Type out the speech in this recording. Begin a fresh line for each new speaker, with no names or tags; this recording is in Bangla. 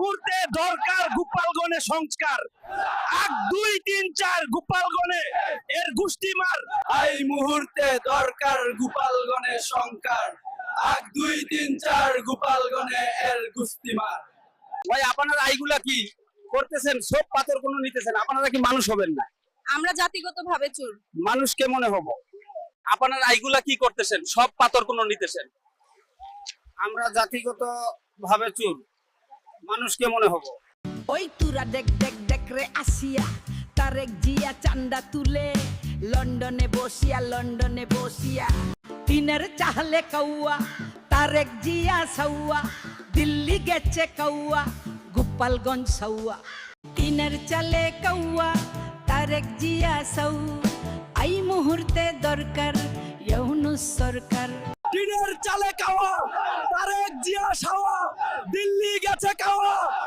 মুহূর্তে দরকার গোপালগণে সংস্কার। 1 2 3 4 গোপালগণে এর গোষ্ঠী মার।
এই মুহূর্তে দরকার গোপালগণে সংস্কার। 1 2 3 4 গোপালগণে এর গুস্তি মার।
ভাই আপনারা এইগুলা কি করতেছেন? সব পাথর কোন নিতেছেন, আপনারা কি মানুষ হবেন না?
আমরা জাতিগতভাবে চোর।
মানুষ কেমনে হব? আপনারা এইগুলা কি করতেছেন? সব পাথর কোন নিতেছেন। আমরা জাতিগত ভাবে চুর, মানুষ কেমনে হব?
ওই তুরা দেখ দেখ দেখ রে আসিয়া তারেক জিয়া চান্দা তুলে লন্ডনে বসিয়া টিনের চাহলে কৌয়া তারেক জিয়া সৌয়া দিল্লি গেছে কৌয়া গোপালগঞ্জ সৌয়া টিনের চালে কৌয়া তারেক জিয়া সৌ এই মুহূর্তে দরকার ইউনূস সরকার।
টিনের চালে খাওয়া তারেক জিয়া সাওয়া দিল্লি গেছে খাওয়া